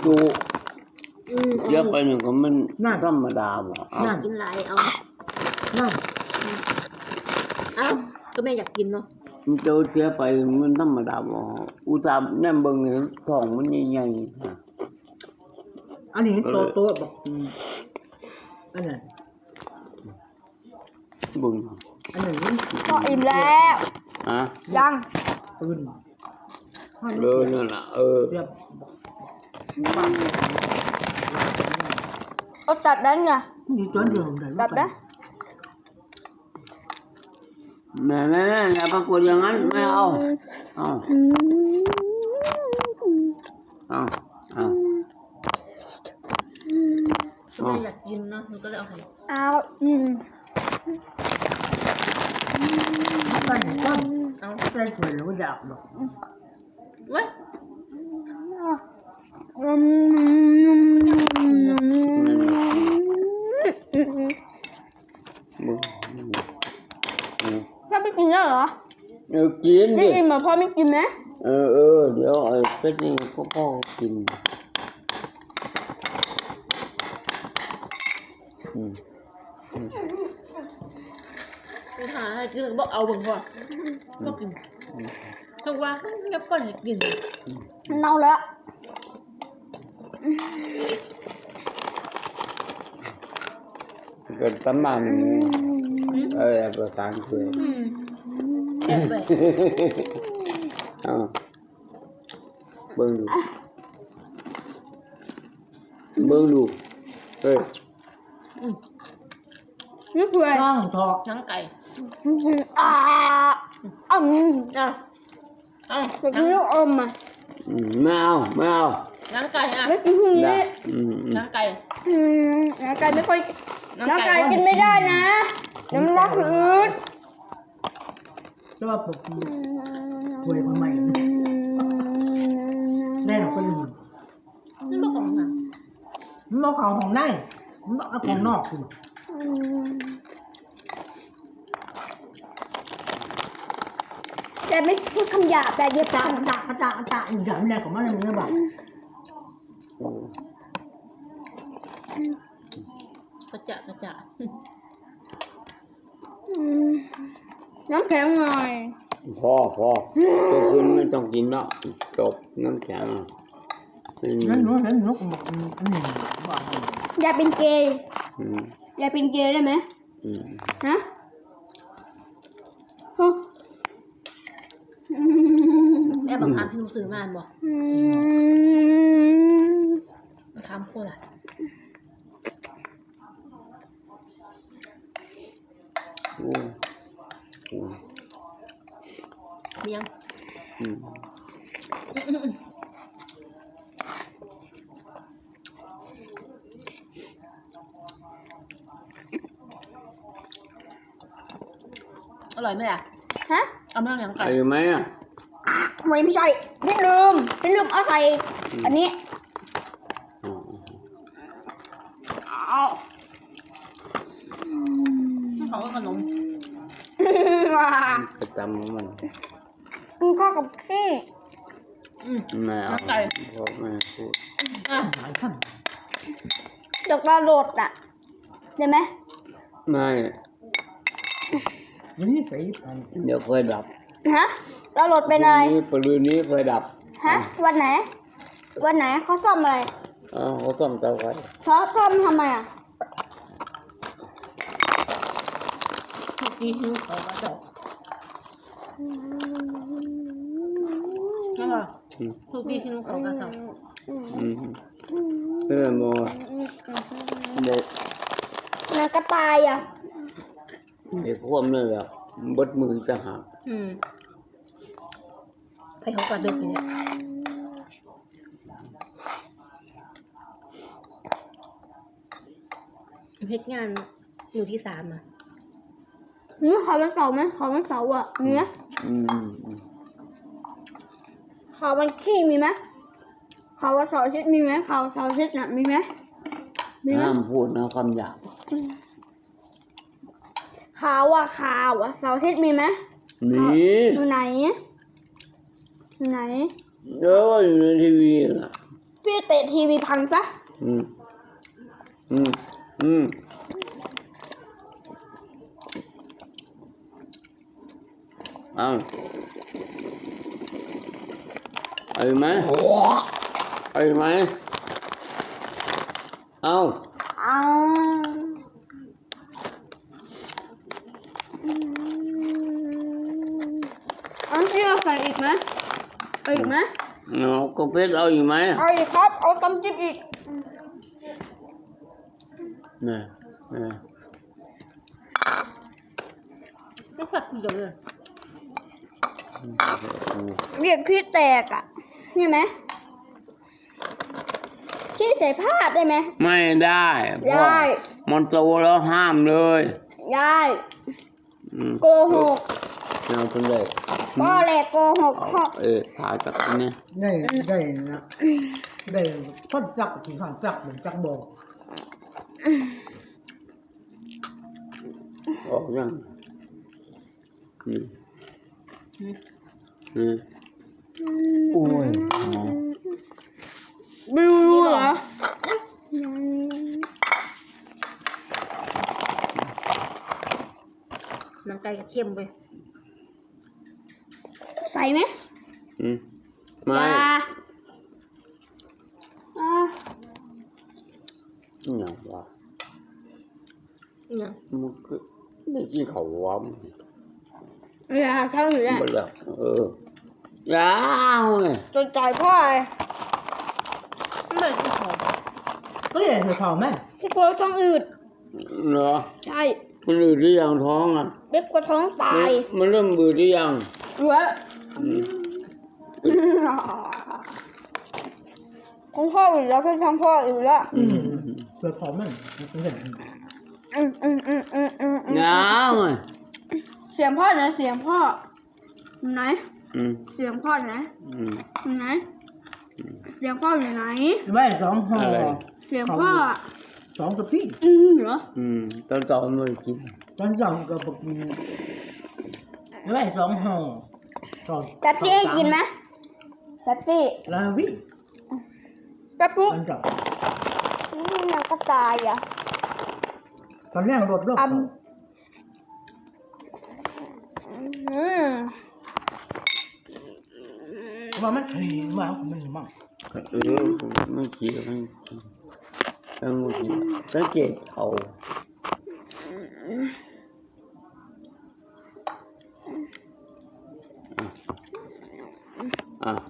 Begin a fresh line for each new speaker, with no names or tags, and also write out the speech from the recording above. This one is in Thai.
จุเยอะไปหนึ่งก็มันธรรมดาบ่
กินหลายเอาก็แม่อยากกินเนาะ
มันเจอเสียไปมันธรรมดาบ่อุตส่าห์แนมเบิ่งเห็นท้องมันใหญ่
ๆอันนี้โตบอกอันนั้น
บึง
อันนี้
ก็อิ่มแล้วยัง
ตื่น
นั่นล่ะ
เอาตัดได้ไงตัดได้
แม่อย่าประกวดอย่างนั้นไม่เอา
ไม่อยากกินเนาะมันก็เลยเอาให้
ใส่ก้อนใส่ถ้วยแล้วก็หยาบหรอก
เว้ย
พ่อไม่กินแล้วเหรอ
กิน
ไม่กินเหมือนพ่อไม่กินไหม
เดี๋ยวไอ้เป็ดนี่พ่อกิน
หาคือบอกเอาเบิ่งก่อนบอกกินถ้าว่าแล้วก่อนให้กิน
เน่าแล้ว
เกิดตั้มมันประสานเพื่อ
แอบไป
เบิ่งดู
นี่คืออะไร
ทอก
หนังไก่
แต่กินลูกอม
ไม่เอา
หนังไก่
ไม่กินพวกนี้
หนังไก่
หนังไก่ไม่ค่อยหนังไก่กินไม่ได้นะน้ำลายอืด
จะว่าปกติถ้วยคนใหม่แน่นอนคนอื่น
นี่เป็นของหนัง
มันเอาของในมันเอาของนอกคุณ
แต่ไม่พูดคำหยาบแต่เย็บ
จ่าอย่างแรกของมันเลยแบบ
กระจะ
น้ำแข็งหน่อย
พอตัวคุณไม่ต้องกินแล้วจบน้ำแข็ง
นั่นหนูบอก
อย่าเป็นเกย์ได้ไหมฮะ
แม่บังคับพี่หนูซื้อมาบอกบังคับโคตรเมียงอร่อยไหมล่ะ
ฮะ
เอามาอย่างไก่
ไหม
ไม่ใช่พี่ลืมเอาใส่อันนี้
เขาก็ขนม
ประจำมัน
กินข้าวกับขี้
แม่
ไก่
พ่อแม่พูด
ดอกปลาโหลดได้ไหม
ไม่
นี่ใส่
เดี๋ยวไฟดับ
ฮะปลาโหลดเป็นอะไร
ปลืนนี้ไฟดับ
ฮะวันไหนเขาซ่อมอะไร
เขาซ่อมเตาไฟ
เขาซ่อมทำไม
นี่คือเขากระจกนั่นเหรอทุกที่ที่นุ่งเขากระจก
โม
นากระต่าย
ไอ้พวกนั่นแหละบดมือจะหัก
ไปเขากระจกอย่างเงี้ยเพชรงานอยู่ที่3
เขาวันเสาร์ไหมเขาวันเสาร์มีไหมเขาวันขี้มีไหมเขาวันเสาร์อาทิตย์มีไหมเขาเสาร์อาทิตย์มีไหม
ห้ามพูดนะคำหยาบ
ข่าวเสาร์อาทิตย์มีไหมอยู่ไหน
อยู่ในทีวีนะ
พี่เตะทีวีพังซะ
อืมอืมอืมเอาเอาไหมเอาไหมเอา
เอาอันที่เราใส่อีกไหมเอาอีกไหม
เอาก็เพชรเอาอยู่ไหม
เอาอีกครับ เอาตำจิ้มอีก
เนี่ยเนี่ย
ไม่ผัดทีเดียวเลย
เรียกขี้แตกอ่ะใช่ไหมขี้ใส่ผ้าได้ไหม
ไม่ได้เพราะ
ได้
มันโตแล้วห้ามเลย
ได้
อืม
โกหก
เราเป็นเด็ก
พ่อแหละโกหกพ่อ
ถ่ายจากนี้
ได้นะได้คนจักถึงสั่งจักเหมือนจักบอก
ออกยังโอ้ย
ไม่รู้เหรอ
หนังไก่กับเค็มไป
ใส่ไหม
ไม่
อย่าอ่ะ
อย่างวะ
เนี่ย
มันก็ไม่กินเขาวะ
อย่าเข้าหนูอ่ะ
มันแบบยาวเลย
จนใจพ่อเลย
ไม่เป็นที่หอม
ก็เลยเธอทองแม่
พี่กลัวท้องอืด
เหรอ
ใช่
มันอืดหรือยังท้องอ่ะ
เบ๊กกลัวท้องตาย
มันเริ่มอืดหรือยัง
เหลือท้องพ่ออืดแล้วพี่ท้องพ่ออืดแล้ว
เธอทองแม่เห็น
ยาวเลย
เสียงพ่อไหนเสียงพ่อไหน เสียงพ่อไหนไหนเสียงพ่ออยู่ไหน
ไว้สองห่อ
เสียงพ่อ
สองกระพี่
เหรอ
ตอนต่อมันกิน
ตอนจังกับปกไว้สองห่อสอง
แป๊บซี่ให้กินไหมแป๊บซี่
ลาวิ
แป๊บปุ๊บ
ตอนจัง
มันก็ตายอ่ะ
ตอนแรกรถรถ ว่ามันขี่มามันมั่ง
ไม่กินไม่กินไม่กินสังเกตเขา